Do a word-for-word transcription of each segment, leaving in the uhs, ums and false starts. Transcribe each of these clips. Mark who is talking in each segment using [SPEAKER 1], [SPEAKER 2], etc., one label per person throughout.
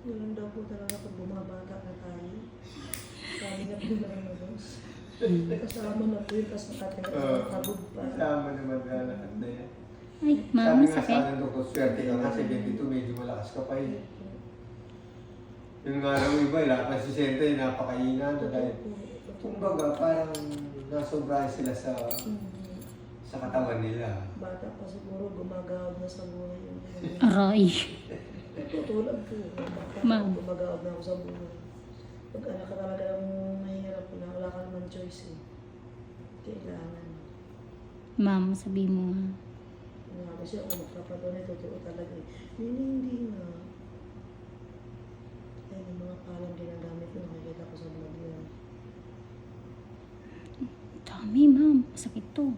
[SPEAKER 1] Ganun daw po talaga pag bumabata na tayo. Sabi nga po na nagos. Kasama na po yun, tapos nakatingin
[SPEAKER 2] Oo.
[SPEAKER 1] uh, kabog pa.
[SPEAKER 2] Kasama naman na lahat na yan.
[SPEAKER 3] Ay,
[SPEAKER 2] Sabi
[SPEAKER 3] ma'am,
[SPEAKER 2] nga sa
[SPEAKER 3] sakit.
[SPEAKER 2] akin, doktor, swerte ka nga, seventy-two, medyo malakas ka pa yun. Yung nga lang iba, lahat ng sisenta yung napakainan. Dahil, kumbaga, parang nasobrahan sila sa sa katawan nila.
[SPEAKER 1] Bata pa siguro, gumagawad na sa buhay yung
[SPEAKER 3] Aray.
[SPEAKER 1] tutulad po. Bata pa,
[SPEAKER 3] Ma'am.
[SPEAKER 1] gumagawad na ako sa buhay. Pag anak ka talaga ng mahirap na, wala ka naman choice eh. Kailangan.
[SPEAKER 3] Ma'am, sabi mo nga.
[SPEAKER 1] Nga kasi ako magpapadunay, totoo talaga eh. Hindi, hindi nga. Ayun, yung mga palang ginagamit ko, nakikita ko sa vlog yun.
[SPEAKER 3] Dami, ma'am. Masakit to.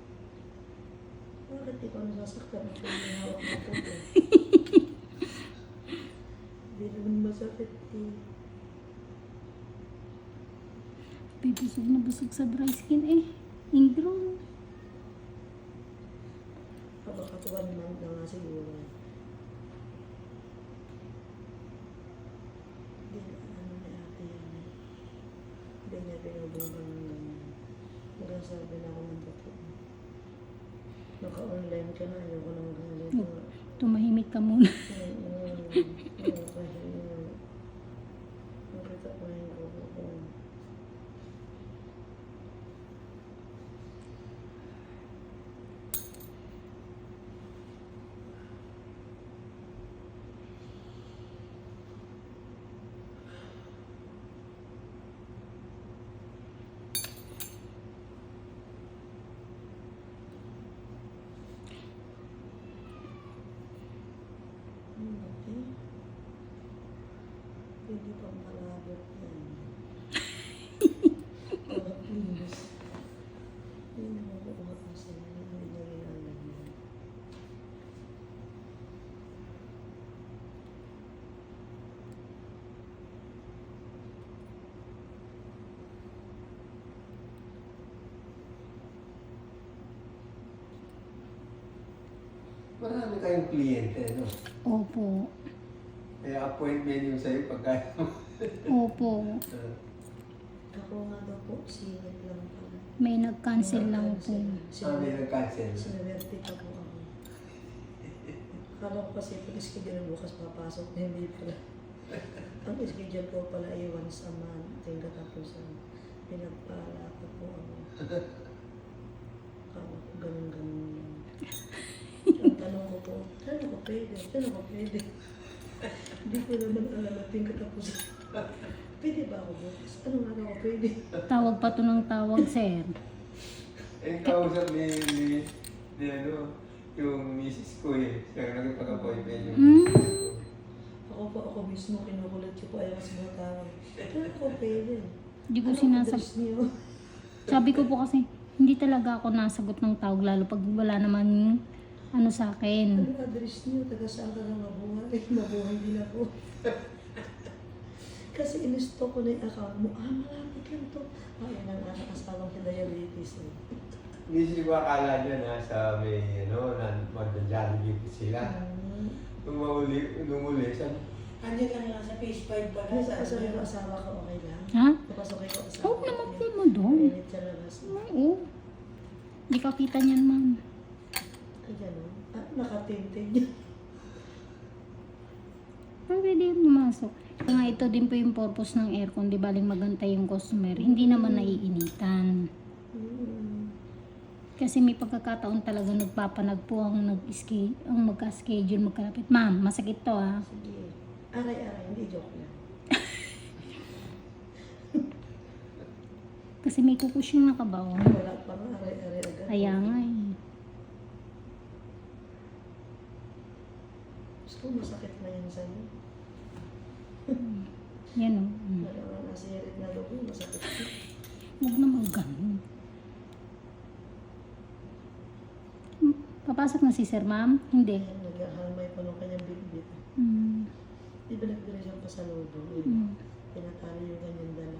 [SPEAKER 1] Bakit ikaw nasasaktan ako yung hawak mo po eh? Hindi naman masakit eh.
[SPEAKER 3] Bibusog na busog sa dry skin eh. Ingro.
[SPEAKER 1] Kabakatuan naman na nga siguro. Hindi na ano na ate yan eh. Hindi niya pinabungan ng ganyan. Hanggang sabi na ako ng totoo. Naka-online ka na, ayoko nang ganito.
[SPEAKER 3] Tumahimik ka muna.
[SPEAKER 1] Oo, oo, kasi yun. Nakita ko yung grupo ko. Hmm, okay. Pwede pang palabot yan. Oh, please. Hindi na makukuha ko sa inyo. Hindi niya ginagawa yan.
[SPEAKER 2] Marami kayong kliyente, no?
[SPEAKER 3] Opo.
[SPEAKER 2] Kaya appointment yung sa'yo pagka...
[SPEAKER 3] Opo.
[SPEAKER 2] Uh,
[SPEAKER 1] Ako nga daw po, singit lang pala.
[SPEAKER 3] May nag-cancel lang po.
[SPEAKER 2] ah, may nag-cancel.
[SPEAKER 1] Sinawerte pa po ako. Akala ko kasi pag schedule bukas papasok, hindi pala. Ang schedule ko pala ay once a month. Yung katapusan. Pinagpala pa po ako. Akala ko ganun-ganun lang. Ang tanong ko po, saan ako pwede? Saan ako pwede? Hindi ko naman alam at yung katapusan. Pwede ba ako bukas? Ano nga ako pwede?
[SPEAKER 3] Tawag pa to ng tawag, sir.
[SPEAKER 2] Eh, kausap ni, ni, ni ano, yung misis ko eh. Siya ang nagpag-appointment yung
[SPEAKER 3] Hmm?
[SPEAKER 2] misis ko.
[SPEAKER 1] Ako po, ako mismo, kinukulat ko po ayaw sa mga tao. Saan ako pwede?
[SPEAKER 3] Hindi ko
[SPEAKER 1] Anong
[SPEAKER 3] sinasab...
[SPEAKER 1] address niyo?
[SPEAKER 3] Sabi ko po kasi, hindi talaga ako nasagot ng tawag, lalo pag wala naman ano sa akin.
[SPEAKER 1] Anong address niyo? Taga saan ka na mabuhay? Mabuhay din ako. Kasi in-stop ko na yung account mo. Ah, malapit lang to. Ah, yan ang anak asawang sa diabetes eh.
[SPEAKER 2] Misis ko akala niya na sa may, ano, na mag-Jollibee sila.
[SPEAKER 1] Um,
[SPEAKER 2] Nung mauli, nung uli, sabi,
[SPEAKER 4] Andiyan ka na sa page five pa na
[SPEAKER 1] Nasa
[SPEAKER 4] sa
[SPEAKER 1] asawa ko asawa ko okay lang?
[SPEAKER 3] Ha?
[SPEAKER 1] Napasok ko asawa
[SPEAKER 3] Huwag
[SPEAKER 1] ko.
[SPEAKER 3] naman po mo doon.
[SPEAKER 1] Mainit sa labas.
[SPEAKER 3] Oo. Hindi ka kita niyan, ma'am.
[SPEAKER 1] Ay, gano'n. Ah, nakatintig niya.
[SPEAKER 3] Pero pwede yung pumasok. Kaya nga ito din po yung purpose ng aircon, di baling magantay yung customer. Hindi naman naiinitan.
[SPEAKER 1] Hmm.
[SPEAKER 3] Kasi may pagkakataon talaga nagpapanag po ang nag-ski, ang magka-schedule, magkalapit. Ma'am, masakit to ha.
[SPEAKER 1] Sige. Aray-aray, hindi joke lang.
[SPEAKER 3] Kasi may kukus yung nakabaon.
[SPEAKER 1] Wala pa nga, aray-aray agad.
[SPEAKER 3] Kaya nga eh.
[SPEAKER 1] Gusto ko masakit na yan sa'yo.
[SPEAKER 3] Yan o. Mm.
[SPEAKER 1] Wala nga nasirit na loob, masakit ko.
[SPEAKER 3] Huwag naman ganun. Hmm, Papasok na si sir, ma'am? Hindi.
[SPEAKER 1] Ayan, naghahalmay pa nung kanyang bitbit.
[SPEAKER 3] Mm.
[SPEAKER 1] Di ba nagdala siyang pasalubong?
[SPEAKER 3] Mm.
[SPEAKER 1] Pinatali yung kanyang dala.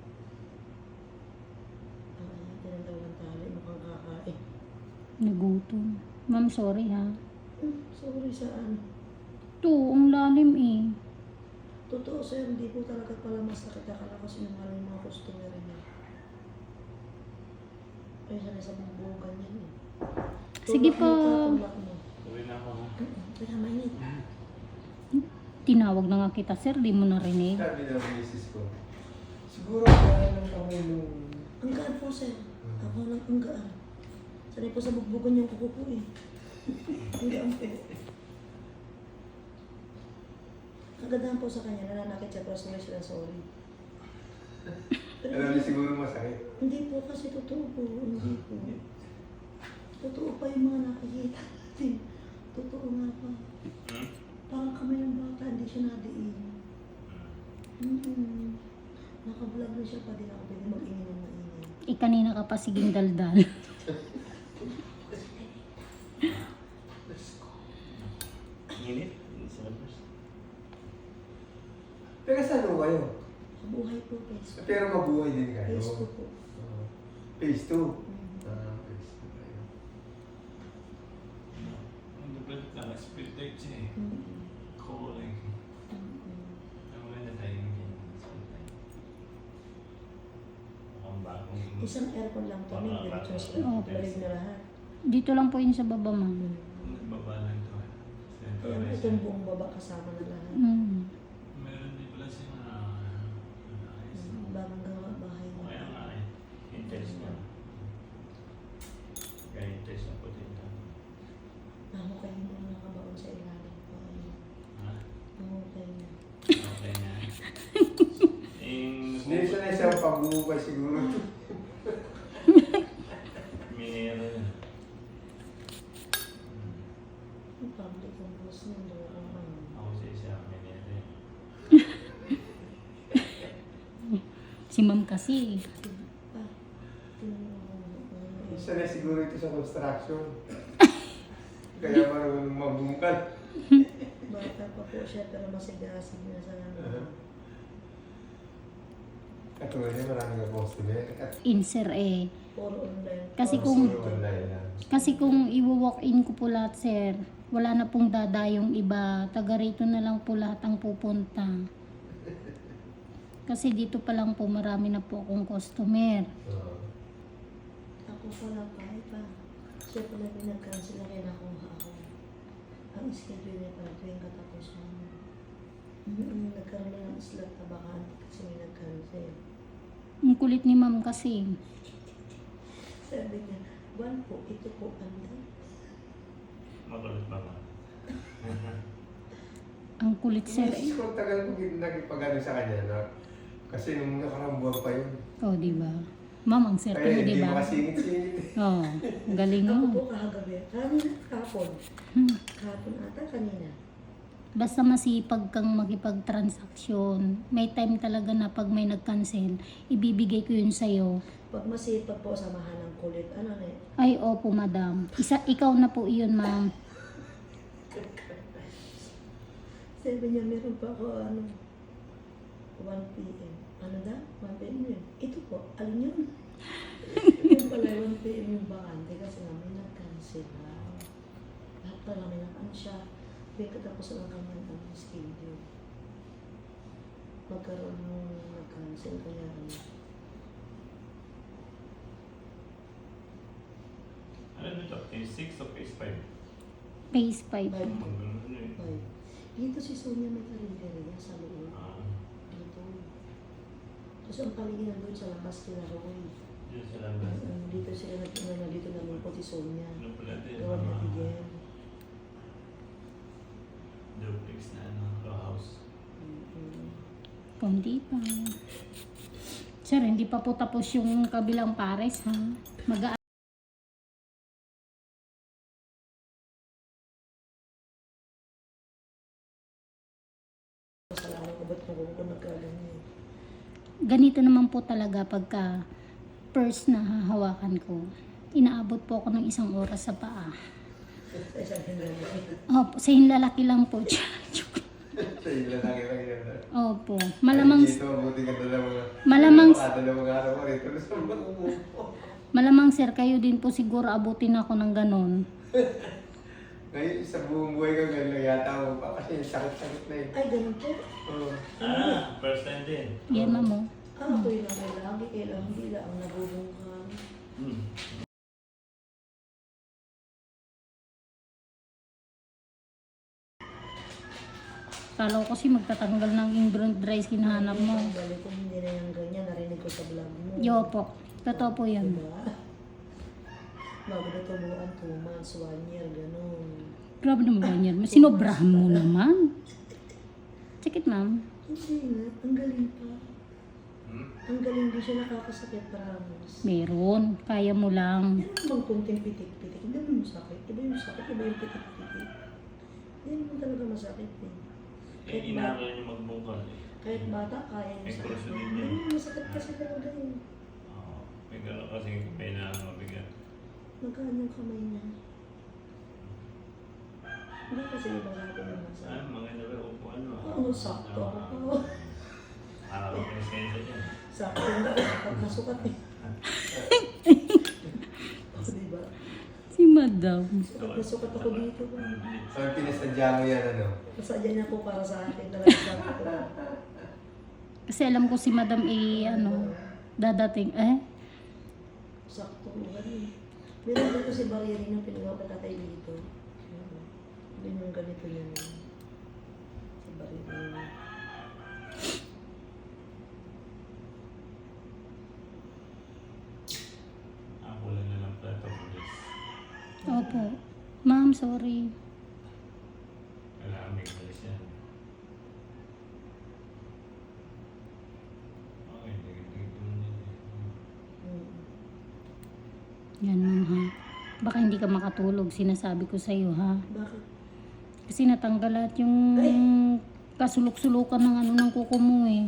[SPEAKER 1] Ah, ayan, tinandaw ng tali, mukhang kakain.
[SPEAKER 3] Nagutom. Ma'am, sorry ha.
[SPEAKER 1] Hmm, sorry saan?
[SPEAKER 3] To, ang lalim eh.
[SPEAKER 1] Totoo sir, hindi po talaga pala masakit. Akala ko sinungaling yung mga customer niya. Ay, sana sa bubugan yan eh.
[SPEAKER 3] Sige
[SPEAKER 1] Tulak
[SPEAKER 3] po.
[SPEAKER 1] mo ka, tulak mo.
[SPEAKER 5] Uwi na ako.
[SPEAKER 1] Kaya mainit.
[SPEAKER 3] Tinawag na nga kita, sir. Di mo narinig.
[SPEAKER 2] Sabi ng misis ko, siguro kaya lang kami nung...
[SPEAKER 1] Ang gaan po sir. Ako lang ang gaan. Sanay po sa bugbugan yung kuko po eh. Ang gaan po. Kagandahan po sa kanya, nananakit siya pero sorry siya sorry.
[SPEAKER 2] Alam niya siguro masakit.
[SPEAKER 1] Hindi po kasi totoo po. Hindi po. Totoo pa yung mga nakikita natin. Totoo nga pa.
[SPEAKER 5] Hmm?
[SPEAKER 1] Parang kami ng bata, hindi siya nadiin. Mm-hmm. Naka-vlog na siya pa din ako pwede mag-ingin ng maingin.
[SPEAKER 3] Eh, kanina ka pa siging daldal.
[SPEAKER 5] Init? Sa labas.
[SPEAKER 2] Pero saan ho kayo?
[SPEAKER 1] Sa buhay po, Facebook.
[SPEAKER 2] Pero mabuhay din kayo.
[SPEAKER 1] Facebook po.
[SPEAKER 2] Oo. Phase two.
[SPEAKER 1] Mm.
[SPEAKER 2] Ah, phase two kayo.
[SPEAKER 5] Ang duplat lang, spirit siya eh.
[SPEAKER 1] Mm-hmm.
[SPEAKER 5] Calling.
[SPEAKER 1] Mm-hmm.
[SPEAKER 5] Ang maganda tayo ng ganyan. Ang bagong...
[SPEAKER 1] Isang aircon lang to, may diretso sa
[SPEAKER 3] Oo.
[SPEAKER 1] balik na lahat.
[SPEAKER 3] Dito lang po yun sa baba, ma'am.
[SPEAKER 5] Baba lang to.
[SPEAKER 1] Kaya mo itong buong baba kasama na lahat.
[SPEAKER 3] Mm.
[SPEAKER 5] Meron din pala siya na... ayos.
[SPEAKER 1] Mm, Bagong gawa bahay na.
[SPEAKER 5] Kaya nga eh. Intense niya. Kaya intense na po dito.
[SPEAKER 1] Nahukay mo na nakabaon sa ilalim po. Ayun.
[SPEAKER 5] Ha?
[SPEAKER 1] Nahukay na.
[SPEAKER 5] Okay na. Yung...
[SPEAKER 2] Hindi siya na isang pagbubuhay siguro.
[SPEAKER 5] Minero yun.
[SPEAKER 1] Yung public ang boss niya, doon ang ano.
[SPEAKER 5] Ako sa isa, minero yun.
[SPEAKER 3] Si ma'am kasi.
[SPEAKER 1] Ah, tinanong
[SPEAKER 2] Isa na siguro ito sa construction. Kaya marunong mabungkal.
[SPEAKER 1] Bata pa po siya pero masigasig na sa
[SPEAKER 2] Uh-huh. Katulad niya maraming ang customer. At
[SPEAKER 3] Insert eh.
[SPEAKER 1] puro online.
[SPEAKER 3] Kasi
[SPEAKER 1] Puro
[SPEAKER 3] kung-
[SPEAKER 2] puro online lang.
[SPEAKER 3] Kasi kung i-walk-in ko po lahat, sir, wala na pong dadayong iba. Taga rito na lang po lahat ang pupunta. Kasi dito pa lang po marami na po akong customer.
[SPEAKER 2] Oo.
[SPEAKER 1] Ako pala pa, ay pa. Siya pala pinag-cancel na rin ako ako. Ang schedule niya pala tuwing katapusan. Mm-hmm. Nagkaroon na ng slot na bakante kasi may nag-cancel.
[SPEAKER 3] Ang kulit ni ma'am kasi.
[SPEAKER 1] Sabi niya, one po, ito po, anda.
[SPEAKER 5] Makulit ba ba?
[SPEAKER 3] Ang kulit, sir.
[SPEAKER 2] Yes, kung tagal ko nagpagano sa kanya na kasi nung nakarang buwan pa yun.
[SPEAKER 3] Oh, di ba? Ma'am, ang swerte
[SPEAKER 2] Kaya
[SPEAKER 3] mo, di
[SPEAKER 2] hindi
[SPEAKER 3] ba?
[SPEAKER 2] makasingit-singit.
[SPEAKER 3] Oh, galing
[SPEAKER 1] Ako
[SPEAKER 3] mo.
[SPEAKER 1] po kahagabi, kanina, kahapon.
[SPEAKER 3] Hmm.
[SPEAKER 1] Kahapon ata, kanina.
[SPEAKER 3] Basta masipag kang makipag-transaksyon. May time talaga na pag may nag-cancel, ibibigay ko yun sa'yo.
[SPEAKER 1] Pag masipag po, samahan ng kulit. Ano na eh?
[SPEAKER 3] Ay, opo, madam. Isa, ikaw na po iyon, ma'am.
[SPEAKER 1] Sabi niya, meron pa ako, ano, one p m Ano na? one p m yun. Ito po, alin yun? Yung pala, one p m yung bakante kasi nga may nag-cancel na. Lahat pala may nakaan siya. May katapos lang kami ang schedule. Magkaroon ng nag-cancel kaya ano.
[SPEAKER 5] Ano nito? Phase six o phase five?
[SPEAKER 3] Phase five.
[SPEAKER 1] Five.
[SPEAKER 5] Ano yun?
[SPEAKER 1] Five. Dito si Sonia may karinderya sa loob.
[SPEAKER 5] Ah,
[SPEAKER 1] Dito. Kasi ang palinginan doon sa labas kila Roy.
[SPEAKER 5] yun sa labas.
[SPEAKER 1] Um, dito sila nagtuna na dito namin po si Sonia.
[SPEAKER 5] Ano pala din?
[SPEAKER 1] Gawa niya
[SPEAKER 5] Mga
[SPEAKER 1] bigyan.
[SPEAKER 5] duplex na ano, row house.
[SPEAKER 1] Mm-hmm.
[SPEAKER 3] Kundi pa. Sir, hindi pa po tapos yung kabilang pares, ha? Mag
[SPEAKER 1] Salamat ko ba't kung kung nagkaganyan.
[SPEAKER 3] Ganito naman po talaga pagka first na hahawakan ko. Inaabot po ako ng isang oras sa paa.
[SPEAKER 1] Sa isang hanggang.
[SPEAKER 3] Opo, sa hinlalaki lang po.
[SPEAKER 2] Sa ila lang lang yan.
[SPEAKER 3] Opo. Malamang,
[SPEAKER 2] Ay, dito, buti ka dalawang...
[SPEAKER 3] Malamang-
[SPEAKER 2] Baka dalawang araw ko rito. Gusto mo umupo.
[SPEAKER 3] malamang sir, kayo din po siguro abutin ako ng ganon.
[SPEAKER 2] Ngayon, sa buong buhay ko, ganun lang yata ako pa kasi sakit-sakit na eh.
[SPEAKER 1] Ay, ganun po.
[SPEAKER 2] Oo.
[SPEAKER 5] Ah, first time din.
[SPEAKER 3] Yan, ma'am, oh.
[SPEAKER 1] Ah, ako yun ang may lagi. Kailangan hindi lang ang nabubungkan.
[SPEAKER 5] Hmm.
[SPEAKER 3] Kala ko kasi magtatanggal ng ingrown dry skin hanap mo.
[SPEAKER 1] Ang balik ko, hindi na yung ganyan. Narinig ko sa vlog mo.
[SPEAKER 3] Yo po. Totoo po yan.
[SPEAKER 1] Diba? Bago na tumuan, two months, one year, ganun.
[SPEAKER 3] Grabe naman ganyan. Sinobrahan mo naman. Sakit, ma'am.
[SPEAKER 1] Hindi nga, ang galing pa.
[SPEAKER 5] Hmm?
[SPEAKER 1] Ang galing din siya nakakasakit, promise.
[SPEAKER 3] Meron. Kaya mo lang.
[SPEAKER 1] Meron bang kunting pitik-pitik? Hindi mo masakit. Iba yung sakit, iba yung pitik-pitik. Hindi naman talaga masakit eh.
[SPEAKER 5] Eh, inaral niyo magbungkal eh.
[SPEAKER 1] Kahit bata, kaya niya
[SPEAKER 5] May
[SPEAKER 1] sakit.
[SPEAKER 5] kurso din
[SPEAKER 1] Hindi
[SPEAKER 5] yun.
[SPEAKER 1] naman masakit kasi talaga eh.
[SPEAKER 5] Oo. May gano'n kasi may na mabigat.
[SPEAKER 1] Magkaan yung kamay niya. Hindi kasi iba sa atin ang
[SPEAKER 5] Ah,
[SPEAKER 1] masakit.
[SPEAKER 5] maganda ba upo ano?
[SPEAKER 1] Oo, sakto ako.
[SPEAKER 5] Para ko presensya dyan.
[SPEAKER 1] Sakto na, sukat na sukat eh. O, diba?
[SPEAKER 3] Si madam.
[SPEAKER 1] Sukat na sukat ako dito.
[SPEAKER 2] So, pinasadya mo yan, ano?
[SPEAKER 1] Masadya niya po para sa akin talaga sakto.
[SPEAKER 3] Kasi alam ko si madam eh, ano, dadating. Eh?
[SPEAKER 1] Sakto mo ganun. Meron din ko si Bariri na pinagawa ka tatay dito. Hindi yung ganito yun. Si Bariri.
[SPEAKER 5] Ako lang na lang plato pulis.
[SPEAKER 3] Opo. Ma'am, sorry.
[SPEAKER 5] Kailangan may pulis yan. Okay, dikit-dikit mo yan eh.
[SPEAKER 1] Hmm.
[SPEAKER 3] Yan, ma'am, ha. Baka hindi ka makatulog. Sinasabi ko sa'yo, ha.
[SPEAKER 1] Bakit?
[SPEAKER 3] Kasi natanggal lahat yung kasulok-sulukan ng ano ng kuko mo, eh.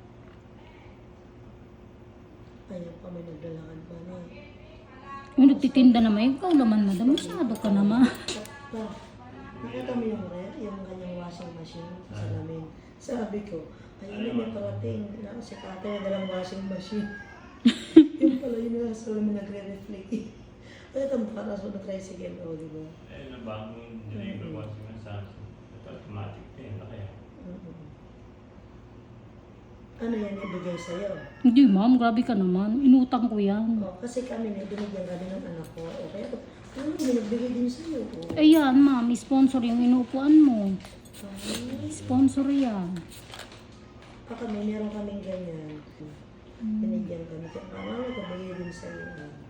[SPEAKER 1] Ayaw pa, may naglalakad pa na eh.
[SPEAKER 3] Yung nagtitinda naman, ikaw naman, madam. Masyado ka naman.
[SPEAKER 1] Pa, nakita mo yung rare, yung kanyang washing machine sa salamin. Sabi ko, ayun may parating na si Kate na dalang washing machine. Yung pala yun na sa salamin nagre-reflect eh. Ay, ito mukha na sa tricycle, o, di ba?
[SPEAKER 5] Eh, nabangon yung deliver ko kasi sa ito automatic din. Ano kaya?
[SPEAKER 1] Mm-mm. Ano yan ibigay sa'yo?
[SPEAKER 3] Hindi, ma'am. Grabe ka naman. Inutang ko yan.
[SPEAKER 1] Oh, kasi kami na binigyan kami ng anak ko. O kaya, ano binagbigay din sa'yo? O.
[SPEAKER 3] Ayan, ma'am. Sponsor yung inuupuan mo.
[SPEAKER 1] Ay,
[SPEAKER 3] Sponsor yan.
[SPEAKER 1] pa kami, meron kaming ganyan. Binigyan kami. Kaya parang kabigay din sa'yo.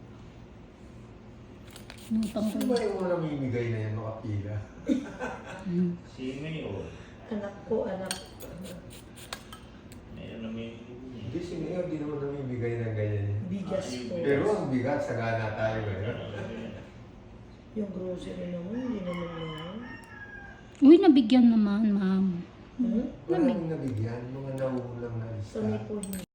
[SPEAKER 3] Inutang ko
[SPEAKER 2] Sino
[SPEAKER 3] yan.
[SPEAKER 2] ba yung unang mimigay na yan, makapila?
[SPEAKER 3] Hmm.
[SPEAKER 5] Si Mayor.
[SPEAKER 1] Anak ko, anak.
[SPEAKER 5] Mayor na may
[SPEAKER 2] Hindi, si Mayor, di naman namimigay ng ganyan yan.
[SPEAKER 1] Bigas po.
[SPEAKER 2] Pero ang bigat, sagana tayo eh.
[SPEAKER 1] Yung grocery naman, hindi naman lang.
[SPEAKER 3] Uy, nabigyan naman, ma'am.
[SPEAKER 1] Hmm?
[SPEAKER 2] Maraming nabigyan, mga nauulang na lista.
[SPEAKER 1] Kami po hindi.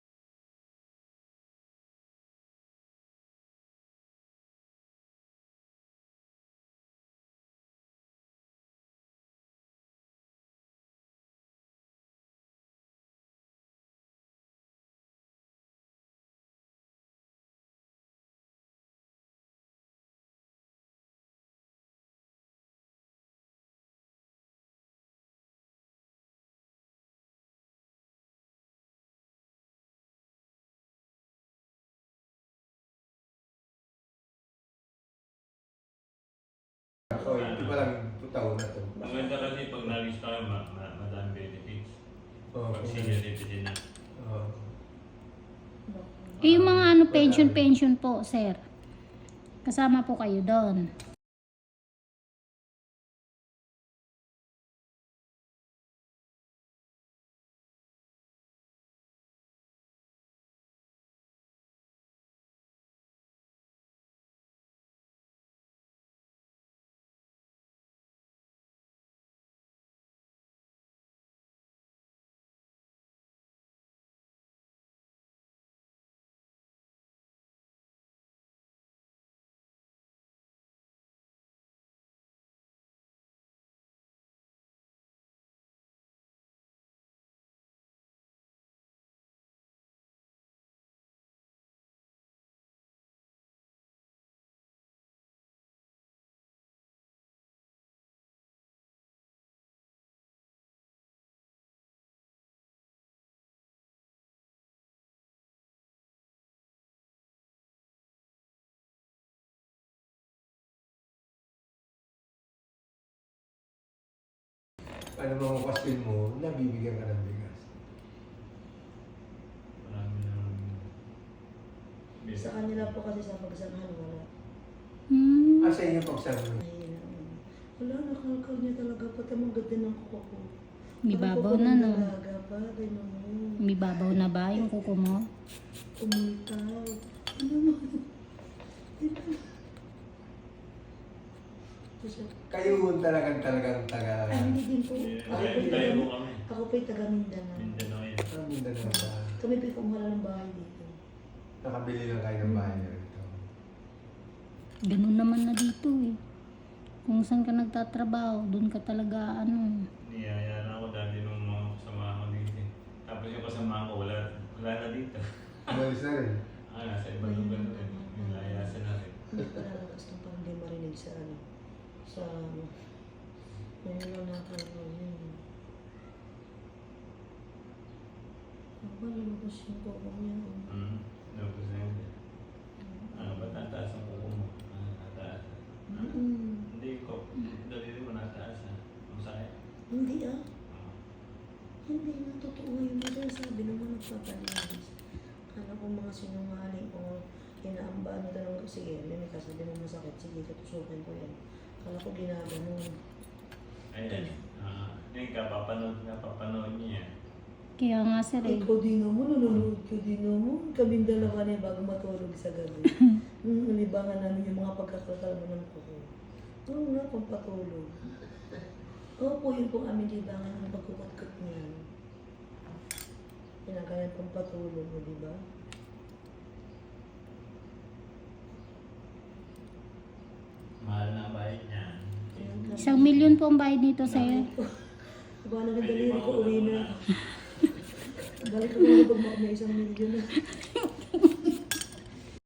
[SPEAKER 2] So, hindi pa lang two taon na to.
[SPEAKER 5] Maganda kasi pag na-reach tayo, ma ma madami benefits.
[SPEAKER 2] Oo,
[SPEAKER 5] Pag senior citizen na.
[SPEAKER 2] Oo.
[SPEAKER 3] Eh, yung mga ano, pension-pension po, sir. Kasama po kayo doon.
[SPEAKER 2] ano mga question mo, nabibigyan ka ng bigas.
[SPEAKER 5] Marami nang...
[SPEAKER 1] Sa kanila po kasi sa pagsamahan, wala.
[SPEAKER 3] Hmm.
[SPEAKER 2] Ah, sa inyo pagsama.
[SPEAKER 1] Mahina. Wala, nakalkal niya talaga. Pati ang ganda ng kuko ko.
[SPEAKER 3] May
[SPEAKER 1] Parang
[SPEAKER 3] babaw
[SPEAKER 1] kuko
[SPEAKER 3] na,
[SPEAKER 1] ng
[SPEAKER 3] no?
[SPEAKER 1] dalaga pa, ganyan mo.
[SPEAKER 3] May babaw na ba yung kuko mo?
[SPEAKER 1] Umitaw. Ano mo? Ito. Kasi,
[SPEAKER 2] Kayo talagang talagang taga...
[SPEAKER 1] ay, hindi din po.
[SPEAKER 5] Eh,
[SPEAKER 1] Ako po
[SPEAKER 5] tayo
[SPEAKER 1] taga,
[SPEAKER 5] mo kami.
[SPEAKER 1] ako po taga Mindanao.
[SPEAKER 5] Mindanao yan.
[SPEAKER 2] Ah, Mindanao ba?
[SPEAKER 1] Kami po kumuha ng bahay dito.
[SPEAKER 2] Nakabili lang kayo ng bahay niyo rito.
[SPEAKER 3] Ganun naman na dito eh. Kung saan ka nagtatrabaho, doon ka talaga ano.
[SPEAKER 5] Niyayara ako dati nung mga kasama ko dito. Tapos yung kasama ko, wala, wala na dito.
[SPEAKER 2] Umalis na rin.
[SPEAKER 5] Ah, nasa ibang lugar na rin. Yung layasan na rin.
[SPEAKER 1] Hindi pa lalabas ng parang hindi marinig sa ano. Sa ano. Ngayon lang nakakaroon yun. Ako ba lumabas yung kuko niya?
[SPEAKER 5] Hmm. Tapos na yun. Ano ba tataas ang kuko mo? Ah, tataas. Ah,
[SPEAKER 1] Mm.
[SPEAKER 5] Hindi ko. Dalili mo nataas ah. Masaya.
[SPEAKER 1] Hindi ah. Hindi na totoo ngayon na sinasabi ng mga nagpapalinis. Kala ko mga sinungaling o inaamba ano talaga. Sige, may kasabi mo masakit. Sige, tutusukin ko yan. Kala ko ginaganon.
[SPEAKER 5] Ayan. Ah, yung kapapanood nga, papanood niya yan.
[SPEAKER 3] Kaya nga sir eh.
[SPEAKER 1] Ikaw din mo, nanonood ko din mo. Kaming dalawa na bago matulog sa gabi. Mm, libangan namin yung mga pagkakakalma ng kuko. Oo nga, pampatulog. Opo, yun po aming libangan ng pagkukat-kat niyan. Pinagalan pampatulog mo, di ba?
[SPEAKER 5] Mahal na bayad niya.
[SPEAKER 3] Isang milyon po ang bayad nito sa'yo.
[SPEAKER 1] Diba, nagdaliri ko, uwi na. Balik ko na pag may isang milyon na.